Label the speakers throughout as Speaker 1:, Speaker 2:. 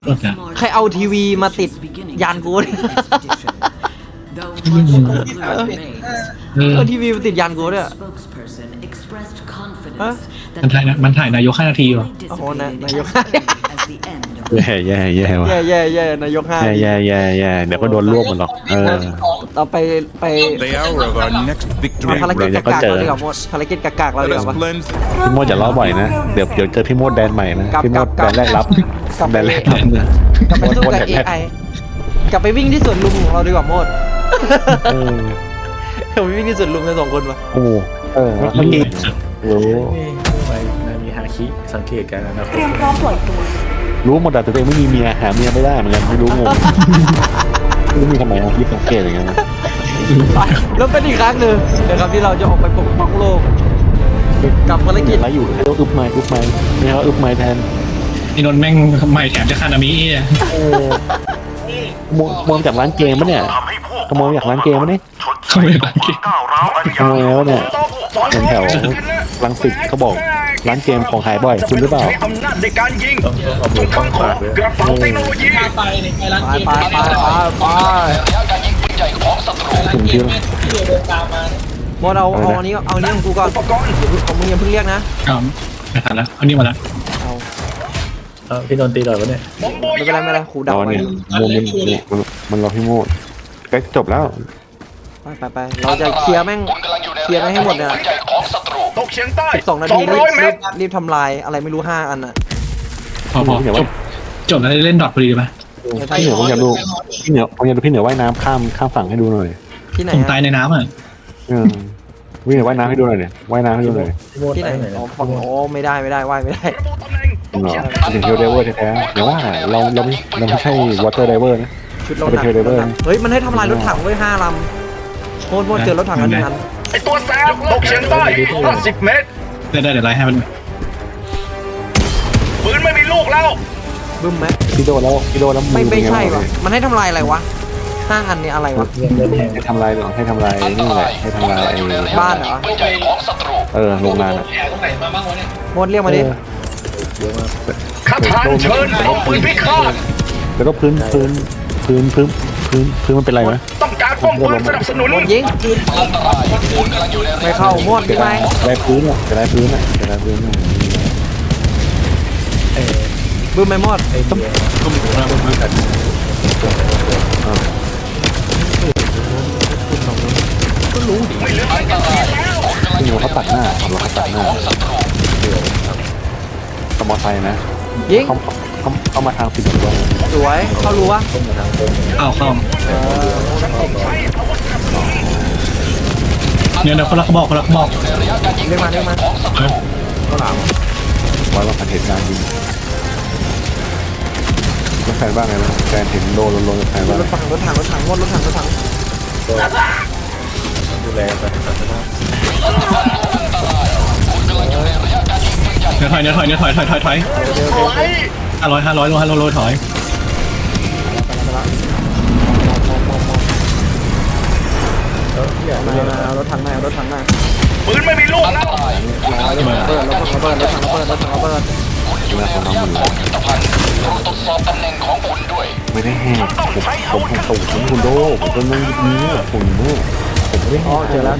Speaker 1: ใครเอาทีวีมาติดยานกูเนี่ยเอาทีวีมาติดยานกูเนี่ยฮะ
Speaker 2: มันถ่ายนายก5 นาทีวะ
Speaker 1: โอ้โหนายก
Speaker 3: แย่ว่ะ
Speaker 1: แย่นายก5
Speaker 3: แย่เดี๋ยวก็โดนรวบหมดหรอก
Speaker 1: ต่อไป
Speaker 4: The hour of our next victory.
Speaker 1: ภารกิจกากๆเราดีกว่าหมดภารกิจกากๆเราดี
Speaker 4: Let
Speaker 1: ก
Speaker 4: us
Speaker 1: ว่า
Speaker 4: cleanse
Speaker 3: พี่โมดอย่าล้อบ่อยนะเดี๋ยวเจอพี่โมดแดนใหม่นะพี่โมดแดนแรกรับ
Speaker 1: กลับไป
Speaker 3: แดนแรกรับ
Speaker 1: กลับไปสู้กับ AI กลับไปวิ่งที่สวนลุมของเราดีกว่าโมดกลับไปวิ่งที่สวนลุมกัน2 คนวะ
Speaker 3: โอ้มันมีรู้
Speaker 5: ไปนามีฮาคิสังเกตการณ์นะครับ
Speaker 6: เตรียมพร้อมปล่อยตัว
Speaker 3: รู้หมดแต่ตัวเองไม่มีเมียหาเมียไม่ได้เหมือนกันไม่รู้งงไม่มีทำไมคิดสังเกตอย่างเงี้ยนะ
Speaker 1: แล้วเป็นอีกครั้งหนึ่งนะครับที่เราจะออกไปปกป้องโลกกับภารกิจ
Speaker 3: แล้วอยู่ให้ต้องอึบไม้เนี่ยว่าอึบไม้แทน
Speaker 2: ไอ้นนท์แม่งใหม่แถมจะคานามิอ่ะ
Speaker 3: มองจากร้านเกมปะเนี่ยขโมยจากร้านเกมปะเนี่ย
Speaker 2: เขาไม่ได้กิน
Speaker 3: ขโมยแล้วเนี่ยแถวรังสิตเขาบอกร้านเกมของหายบ่อยคุณหรือเปล่า
Speaker 7: อำนาจในการยิง
Speaker 5: ต้องเอามือเข้าปากเลย
Speaker 7: กระเป๋าเทคโนโลยี
Speaker 1: ไป
Speaker 3: ถึงที่
Speaker 1: โมดเอาอันนี้ของกูก่อนของมึงยังเพิ่งเรียกนะ
Speaker 2: เอาไม่ทันแล้วเอานี่มาละ
Speaker 1: เอา
Speaker 5: พี่นนท์ตีหน่อยวะเนี่ย
Speaker 1: ไม่เป็นไรครู
Speaker 3: ร
Speaker 1: เดา
Speaker 3: อ
Speaker 1: ไว้
Speaker 3: เนี่ยมันรอพี่โมดใกล้จบแล้ว
Speaker 1: ไปเราจะเคลียร์แม่งให้หมดเนี่ย
Speaker 7: ตกเฉียงใต้
Speaker 1: 12 นาทีรี
Speaker 7: 200 เมตร
Speaker 1: บทำลายอะไรไม่รู้5 อันน่ะ
Speaker 2: พอจบแล้วเล่นดอทพอดีไหม
Speaker 3: พี่เหนือผมอยากดูพี่เหนือว่ายน้ำข้ามฝั่งให้ดูหน่อย
Speaker 1: ที่ไหน
Speaker 2: ผมตายในน้ำอ่ะ
Speaker 3: พี่เหนือว่ายน้ำให้ดูหน่อยเนี่ยว่ายน้ำให้ดูหน่อย
Speaker 1: ที่ไหนอ๋อฝั่งโอ้ไม่ได้ว่ายไม่ได้
Speaker 7: ระบุตำแหน่ง
Speaker 3: ถึงเทลเดเวอร์แท้ๆเดี๋ยวว่าเราไม่ใช่วอเตอร์ไดเวอร์นะ
Speaker 1: ชุดรถถังเฮ้ยมันให้ทำลายรถถังไว้5 ลำโมดเจอรถถังอันนึงอัน
Speaker 7: ไอตัวแสบตกเฉียงใต้50 เมตร
Speaker 2: ได้เดี๋ยวไล่ให้มัน
Speaker 7: ปืนไม่มีลูกแล้ว
Speaker 1: บึ้มไหม
Speaker 3: พี่โดแล้ว
Speaker 1: ไม่ใช่วะมันให้ทำลายอะไรวะ5 อันเนี่ยอะไรวะ
Speaker 3: ให้ทำลายให้ทำลายนี่แหละให้ทำลาย
Speaker 1: บ้านเหรอ
Speaker 3: โรงงาน
Speaker 1: โมดเรียกมาดิ
Speaker 7: คาถานเชิญเอาปืนพิฆาต
Speaker 3: แล้วก็พื้นมันเป็นไรไหม
Speaker 7: ต้องการป้อมปืนสนับสนุน
Speaker 1: โมดยิงไม่เข้าโมดยิงไหม
Speaker 3: ได้พื้นอ่ะจะได้พื้น
Speaker 1: บึ้มไหมโมด
Speaker 3: พี่เหนือเขาตัดหน้าสมอไซค์นะ
Speaker 1: ยิง
Speaker 3: เขามาทางผิดตัว
Speaker 1: สวยเข้ารู้วะ
Speaker 2: เข้าเนี่ยคนละเขาบอก
Speaker 1: เรียกมา
Speaker 3: ไว้ว่าเหตุการณ์จริงแฟนบ้างไงนะแฟนเห็นโดนกับใครบ้าง
Speaker 1: รถถังโมดรถถัง
Speaker 5: ดูแลไปศาสนา
Speaker 2: เนื้อถอย500โลถอย
Speaker 1: เอารถถังมา
Speaker 7: ปืนไม่มีลูกแล้ว
Speaker 1: ระเบิดรถถังระเบิด
Speaker 3: นะของน้องมันไม่ได้แหกผมแหกตูดของคุณโดผมก็นั่งยิ้มคุณโดผมไม่ได้แห
Speaker 1: อ๋อก เจอแล้ว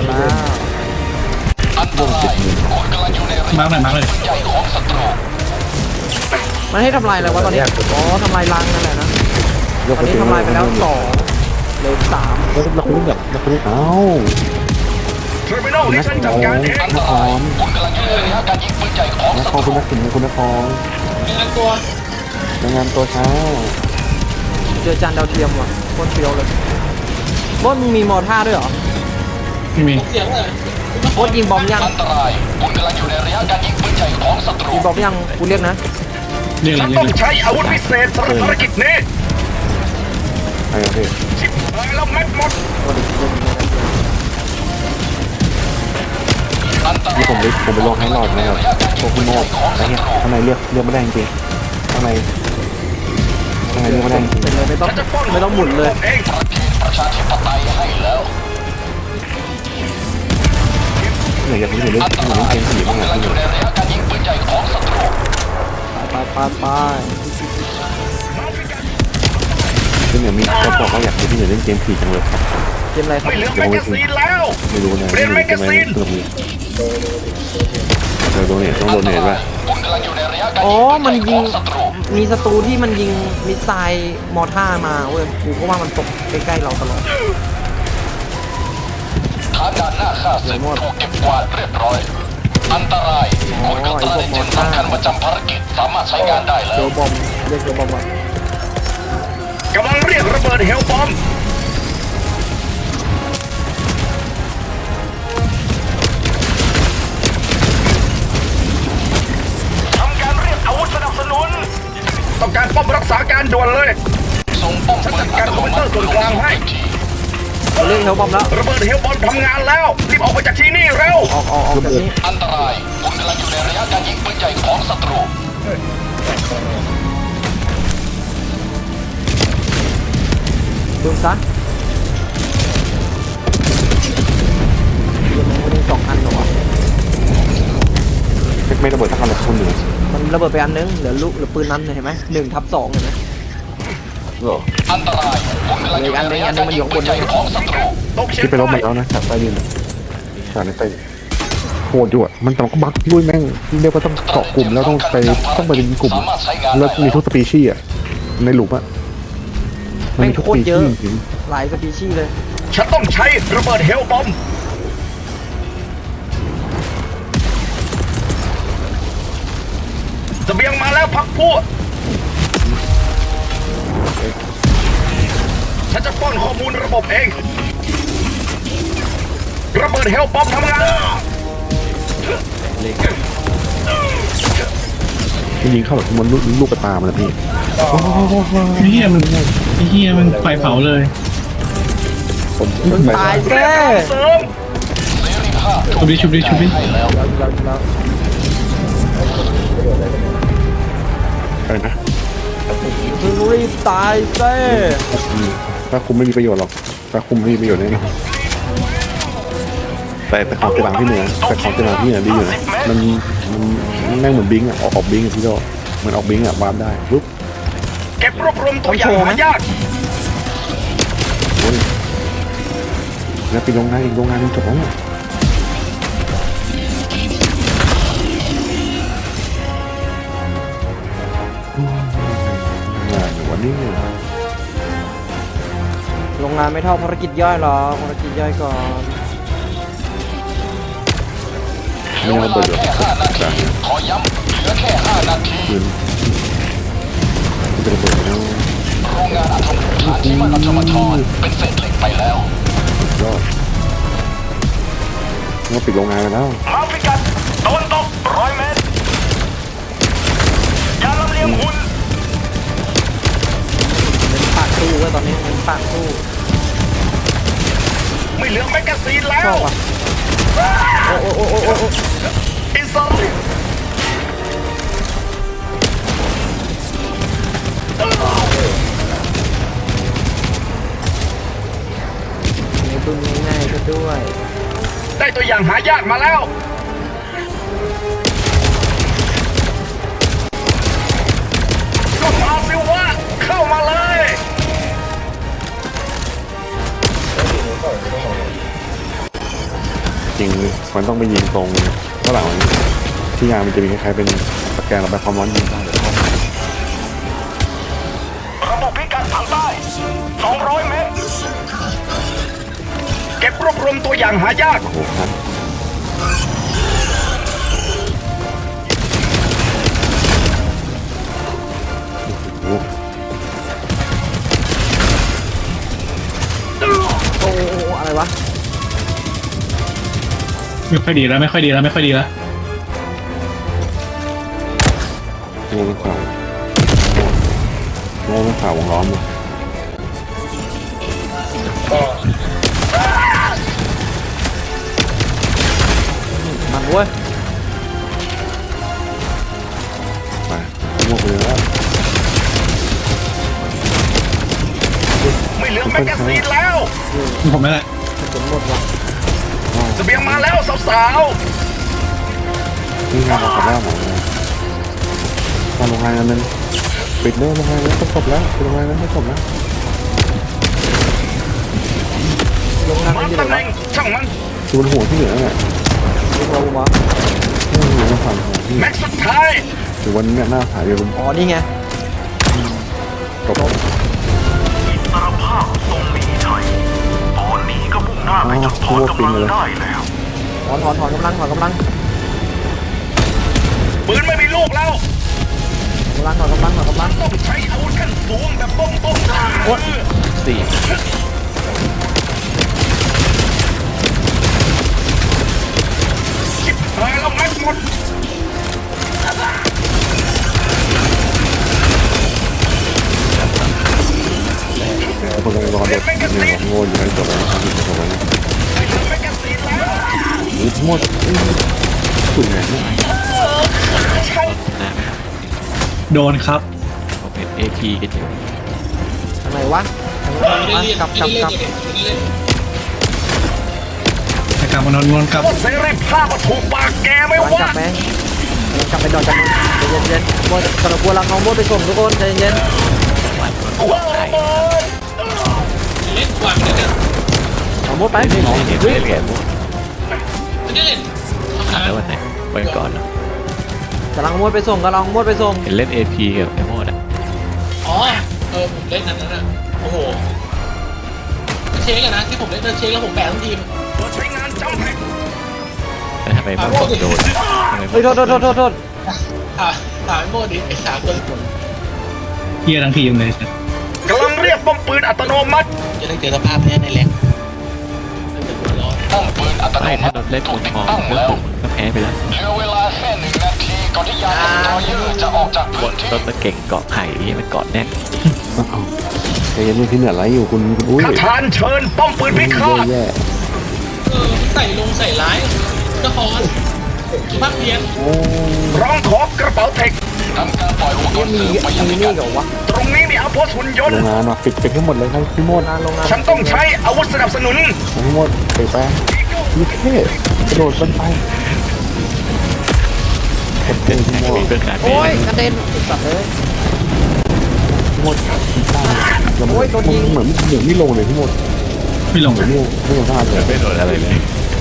Speaker 2: มาร์กเลย
Speaker 1: มันให้ทำลายอะไรวะตอนนี้อ๋อทำลายรังนั่นแหละนะตอนนี้ทำลายไปแล้ว2เหลือ3
Speaker 3: แล้วคุณแบบเอ้า
Speaker 7: เทอร์มินอลที่ฉันจัดการเอง
Speaker 3: นครคุณนักสินคุณนครรายงานตัวเช้า
Speaker 1: เจอจานดาวเทียมว่ะโคตรเฟี้ยวเลยโบดมึงมีมอท่าด้วยเหรอ
Speaker 2: ไม่มี
Speaker 1: โบดยิงบอมยังยิงบอมยังกูเรียกนะ
Speaker 2: เรียกอะไร
Speaker 7: ฉัน
Speaker 2: เรีย
Speaker 7: ต้
Speaker 2: ก
Speaker 7: องใช้อาวุธพิเศษสำหรับภารกิจนี้
Speaker 3: ไอ้พี่
Speaker 7: ชิบหายแล้วแม็กหมด
Speaker 3: นี่ผมไปลงให้หลอดนะครับโชว์คุณโมดอะไรเงี้ยข้างในเลือกไม่ได้จริงข้างในเลือกไม่ได้จริง
Speaker 1: เป็นเลยไม่ต้องหมุนเลย
Speaker 7: เอง
Speaker 3: เหนื่อยอยากเล่นเกมผีบ้างอ่ะพี่หนู
Speaker 1: ไป
Speaker 3: พี่เหนือมีเขาบอกว่าอยากให้พี่เหนือเล่นเกมผีจังเลย
Speaker 1: เกมอะไรครับ
Speaker 7: ไม่เหลือแมกกาซีนแล้ว
Speaker 3: ไม่รู้นะ
Speaker 7: เปลี่ยนแมกกาซีน
Speaker 3: เพิ่มมีเราโดนเนี่ยต้องโดนเนี่ยป่ะ
Speaker 1: อ๋อมันยิงมีศัตรูที่มันยิงมิสไซล์มอร์ท่าร์มาเว้ยกูก็ว่ามันตกใกล้ๆเราตลอด
Speaker 6: ฐานด่านหน้าค่าศึกถูกเก็บกวาดเรียบร้อย อันตรายคุณกัปตันเอนจินสำคัญประจำภารกิจสามารถใช้งานได้แล้
Speaker 1: เจ
Speaker 6: ว
Speaker 1: อบอมเรียกเจอบอมว่ะ
Speaker 7: กำลังเรียกระเบิดเฮลบอมทำการเรียกอาวุธสนับสนุนต้องการป้อมรักษาการด่วนเลย
Speaker 6: ส่งป้อม
Speaker 7: ฉัน
Speaker 6: ปื
Speaker 7: จั
Speaker 6: น
Speaker 7: ดการคอมพิวเตอร์ส่วนกลางให้
Speaker 1: เราเรียกเฮลบอมแล้ว
Speaker 7: ระเบิดเฮลบอมทำงานแล้วรีบออกไปจากที่นี่เร็ว
Speaker 1: ออกจากนี้
Speaker 6: อันตรายคุณกำลังอยู่ในระยะการยิงปืนใหญ่ของศัตรู
Speaker 1: ดูซะมันมี2 อันเหรอวะ
Speaker 3: ไม่ระเบิดทั้งคันเลยคุณเหนือ
Speaker 1: มันระเบิดไปอันนึงเหลือลูกเหลือปืนนั้นเห็นไหม1/2เห็นไหม
Speaker 3: เหรอ
Speaker 6: อันตรายคุณกำลังอยู่ในระยะการยิงปืนใหญ่ของศัตรู
Speaker 7: ตกเฉีย
Speaker 3: ที่
Speaker 7: ง
Speaker 3: ไปลบมา
Speaker 7: ใต้
Speaker 3: แล้วนะจากใต้ดินจากในใต้ดินโหดอยู่อ่ะมันแต่ก็บักลุยแม่งเรียกว่าต้องเกาะกลุ่มแล้วต้องไปเป็นกลุ่มแล้วมีทุกสปีชีส์อ่ะในหลุมอ่ะมันมีทุกสปีชีส์จริง
Speaker 1: หลายสปีชีส์เลย
Speaker 7: ฉันต้องใช้ระเบิดเฮลบอมเสบียงมาแล้วพักพวกฉันจะป้อนข้อมูลระบบเอง ระเบิดเฮลบอมทำงาน
Speaker 3: มันยิงเข้าแบบมันลูกกระตามันนะพี่
Speaker 2: เฮียมันไฟเผาเลย
Speaker 3: ผม
Speaker 1: มึงตายแน่
Speaker 7: เสริม
Speaker 2: ชุบดิ
Speaker 3: อะไรนะ
Speaker 1: มึงรีบตายแน่
Speaker 3: ถ้าคุมไม่มีประโยชน์หรอกถ้าคุมไม่มีประโยชน์แน่นอนแต่ของกระดังที่เหนือแต่ของกระดังที่เหนือดีอยู่นะมันแม่งเหมือนบิงอ่ะออกบิงอ่ะพี่โดเหมือนออกบิงอ่ะวาร์ปได้ปุ๊บ
Speaker 7: เก็บรวบรวมตัวอย่างหายาก
Speaker 3: โอ้ยแล้วไปโรงงานอีกโรงงานนึงจบแล้วเนี่ยงานวันนี้
Speaker 1: โรงงานไม่เท่าภารกิจย่อยหรอกภารกิจย่อยก่อน
Speaker 3: ไม่เอาเปิดหรอกจ้ะ
Speaker 6: ขอย้ำเหลือแค่5 นาที
Speaker 3: คืนมันจะระเบิดแล้ว
Speaker 6: โรงงานอะตอมฐานที่มันอัตมทรเป็นเศษเหล็กไปแล้ว
Speaker 3: ยอดเราปิดโรงงานแล้ว
Speaker 7: มาฟิกัสตะวันตก100 เมตรยาลำเลียงหุ่น
Speaker 1: เป็นปากตู้เว้ยตอนนี้เป็นปากตู้
Speaker 7: ไม่เหลือแมกกาซีนแล้
Speaker 1: ชอ
Speaker 7: ว
Speaker 1: บอ่ะโอ้โอ้โอ้โอ้โอ้
Speaker 7: อินซอล
Speaker 1: ในบึ้มง่ายๆก็ด้วย
Speaker 7: ได้ตัวอย่างหายากมาแล้วก็มาสิวะเข้ามาเลย
Speaker 3: จริงมันต้องไปยิงตรงข้างหลังที่ยางมันจะมีคล้ายๆเป็นตะแกรงระบายความร้อนยิงได้
Speaker 7: ระบบพิกัดทางใต้200 เมตร เก็บรวบรวมตัวอย่างหายาก
Speaker 3: โอ้โหครับโอ้โห
Speaker 1: โอ้โอ้โอ้อะไรวะ
Speaker 2: ไม่ค่อยดีแล้ว
Speaker 3: โง่เป็นข่าวโง่เป็นข่าววงล้อมเลย
Speaker 1: มันเว้ย
Speaker 3: ไปโง่ไปเลยแล้ว
Speaker 7: ไม่เหลือแมกกาซีนแล้ว
Speaker 2: ผมไม่แหละ
Speaker 1: ผลหมดว่ะ
Speaker 7: เสบียงมาแล้วสาว
Speaker 3: นี่งานเราขับแล้วหมดเลยมาโรงงานนั้นปิดเรื่องโรงงานนั้นต้องจบแล้วโรงงานนั้นไม่จบแล้ว
Speaker 1: ลงนั่ง
Speaker 7: มา
Speaker 1: อยู่
Speaker 7: ตำ
Speaker 1: ไห
Speaker 7: แห
Speaker 1: น
Speaker 7: น่งช่างมัน
Speaker 3: คือบนหัวที่เหลือเนี่ย
Speaker 1: วะวะ
Speaker 3: ไม่รู้ว่าฝั่งของที่
Speaker 7: แม็กซ์สุดท้าย
Speaker 3: หรือวันนี้หน้าผาเดียวกัน
Speaker 1: อ๋อนี่ไง
Speaker 3: กับ
Speaker 7: อิสรภาพทรงมีชัยตอนนี้ก็มุ่งหน้าไปจุดถอนกำลังได้แล้ว
Speaker 1: ถอนกำลังถอนกำลัง
Speaker 7: ปืนไม่มีลูกแล้ว
Speaker 1: ถอนกำลัง
Speaker 7: ต้องใช้อาวุธขั้นสูงแบบป้องโอ้สี่ชิบหายแล้วแม็กหมด
Speaker 3: คนกำลังรอเด็กเนี่ยโง่อยู่ในตัวแล้วครับอยู่ในตัวแล้ว
Speaker 7: แม็กกาซีนแล้ว
Speaker 3: นี่ทั้งหมดสุดไงเนี่ย
Speaker 2: โดนครับ
Speaker 1: ทางไหนวะกลับ
Speaker 2: แต่กลับมานนท์กลับ
Speaker 7: ว่าเสรีภาพมาถูกปากแกไหม่
Speaker 1: กลับ
Speaker 7: วะ
Speaker 1: ไหมกลับไปดอนกันเย็นๆโมดกระกลัวลังน้องโมดไปส่งทุกคนใจเย็น
Speaker 7: ว้าวระเบิด
Speaker 1: เอาโมดไป กำลังโมดไปส่งกำลังโมดไปส่ง
Speaker 8: เล่น AP กับไอ้โมดอ่ะ
Speaker 9: อ๋อ ผมเล่นนั้นอ่ะ โอ้โหเช็คกันนะที่ผมเล่นเช็คแล้วผมแบกทั้งทีม
Speaker 7: ตัวใช้งานจำแพ็ก
Speaker 8: แต่ทำไมโมดโดนทำไมโม
Speaker 1: เฮ้ย
Speaker 8: ด
Speaker 1: โทษ
Speaker 9: ถามไอ้โมดิไอ้3 ตัว
Speaker 2: เฮียทั้งทีมเลย
Speaker 7: กำลังเรียกป้อมปืนอัตโนมัติ
Speaker 9: จะได้เจอสภาพนี้ในแรง
Speaker 6: ป้อมปืนอัตโน
Speaker 8: ไม่
Speaker 6: มั
Speaker 8: ถ้า
Speaker 6: ติ
Speaker 8: โดนเล่น
Speaker 6: ถู
Speaker 8: มุ
Speaker 6: ก
Speaker 8: น
Speaker 6: ติด
Speaker 8: มอง
Speaker 6: ตั้ง
Speaker 8: ก็
Speaker 6: แล้ว
Speaker 8: ผมก็แพ้ไปแล้ว
Speaker 6: เหลือเวลาแค่1 นาทีก่อนที่ยานสตรอยเออร์จะออกจากพื้นที่
Speaker 8: ต้นตะเก่งเกาะไข่ที่มันเกาะแน่น
Speaker 3: ใจเย็นๆที่เหนือไรอยู่คุณอุ้ย
Speaker 7: คาถานเชิญป้อมปืนพิฆาต
Speaker 3: แย่
Speaker 9: ใส่ร้ายเจ้าคอนภาคเพียน
Speaker 7: ร้องขอกระเป๋าเทค
Speaker 6: ทำการปล่อยหัวกระ
Speaker 1: มี
Speaker 6: สือไปยัง
Speaker 1: นี่
Speaker 6: พิกัด
Speaker 1: เหรอวะ
Speaker 7: ตรงนี้มีอาวุธหุ่นยน
Speaker 3: โร
Speaker 7: ต์
Speaker 3: งงานว่ะปิดให้หมดเลยครับพี่โมด
Speaker 1: โรงงาน
Speaker 7: ฉันต้องใช้อาวุธสนับสนุน
Speaker 3: พี่โมดไปแป้งยี่เท่กระโดดบนไฟ
Speaker 8: เป็นแข่งมีเรื่องการเป
Speaker 1: โอ้ย
Speaker 8: ย์
Speaker 1: กระเด็นสัตว์เลย
Speaker 3: พี่โมดแล้ว
Speaker 1: โอ้ยโดนยิง
Speaker 3: เหมือนไม่ลงเลยพี่โมด
Speaker 2: ไม่ลง
Speaker 3: เหมือนไม่ลงท่าเลย
Speaker 8: ไม่โดนอะไรเลย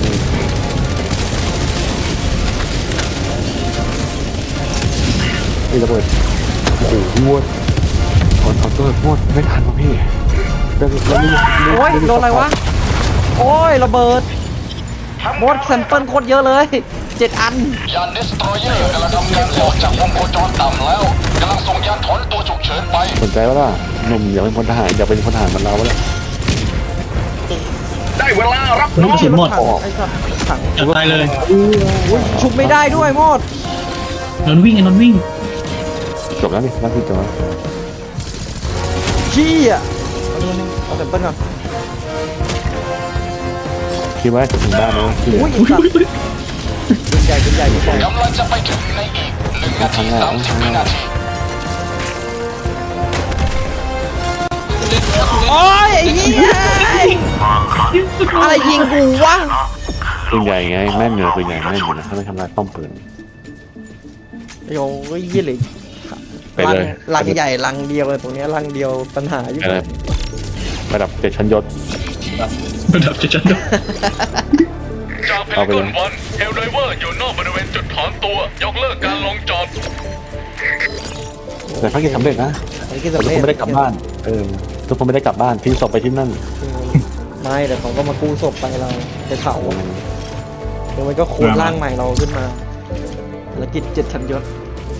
Speaker 3: ไอ้ระเบิดโอ้โหพี่โมดขอโทษพี่โมดไม่ทันวะพี่
Speaker 1: โอ้ยโดนอะไรวะโอ้ยระเบิดโมดแซมเปิลโคตรเยอะเลย7 อัน
Speaker 6: ยานดิสตรอยเออร์กำลังทำการออกจากวงโคจรต่ำแล้วกำลังส่งยานถอนตัวฉุกเฉินไป
Speaker 3: สนใจว่าล่ะหนุ่มอยากเป็นพลทหารอยากเป็นพลทหารเหมันเราวะล่ะ
Speaker 7: ได้เวลารับ
Speaker 2: ลู
Speaker 7: น้
Speaker 2: ก
Speaker 7: อก ง
Speaker 2: ระสุนหมด
Speaker 1: ไอ้สัตว์ถัง
Speaker 2: จะตายเลย
Speaker 1: อุ้ยชุบไม่ได้ด้วยโมด
Speaker 2: นนท์วิ่งนนท์วิ่ง
Speaker 3: จบแล้วนี่นั่นคือจบแล้ว
Speaker 1: ขี้อ่ะเอาแซมเปิลก่อน
Speaker 3: คิดว่าจะถึงบ้านไหมพี่
Speaker 1: อุ้ยสัตว์ปืนใหญ่
Speaker 6: กำลังจะไปถึงในอีก1 นาที 30 วินาที
Speaker 1: โอ้ยไอ้เหี้ยอะไรยิงกูวะ
Speaker 3: ปืนใหญ่ไงแม่นอยู่ปืนใหญ่แม่นอยู่นะถ้าไม่ทำลายป้อมปืน
Speaker 1: โอ้ยเหี้ยเลย
Speaker 3: ไปเลย
Speaker 1: ลังใหญ่ลังเดียวเลยตรงเนี้ยลังเดียวปัญหาอยู่
Speaker 3: ไปเลยระดับ7 ชั้นยศ
Speaker 2: ระดับจะ
Speaker 7: จากเพ
Speaker 3: เอา
Speaker 7: น
Speaker 3: ไป
Speaker 7: ก
Speaker 3: เล
Speaker 7: อย นวันเฮลไดเวอร์อยู่นอกบริเวณจุดถอนตัวยกเลิกการลงจอด
Speaker 3: แต่ภารกิจสำเร็จนะ
Speaker 1: ไอ้ที่
Speaker 3: แต่
Speaker 1: สำ
Speaker 3: ทุก
Speaker 1: เร็
Speaker 3: ค
Speaker 1: จ
Speaker 3: นไม่ได้กลับบ้านทุกคนไม่ได้กลับบ้านทิ้งศพไปที่นั่น
Speaker 1: ไม่แต่เขาก็มากู้ศพไปเราไปเผาแล้วมันก็คูณร่างใหม่เราขึ้นมาภารกิจ7 ชั้นยศ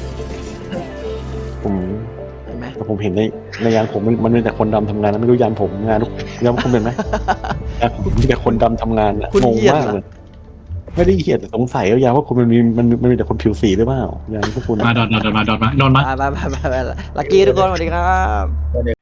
Speaker 3: ผม
Speaker 1: เห็นไหม
Speaker 3: แต่ผมเห็นในยานผมมันมีแต่คนดำทำงานนะไม่รู้ยานผมงานทุกยานคุณเป็นไหมยานผมมีแต่คนดำทำงานอะงงมากเลยไม่ได้เหี้ยแต่สงสัยว่ายานว่าคุณมันมีแต่คนผิวสีหรือเปล่ายานพวกคุณ
Speaker 2: มาดอดมา
Speaker 1: ไปลักกี้ทุกคนสวัสดีครับ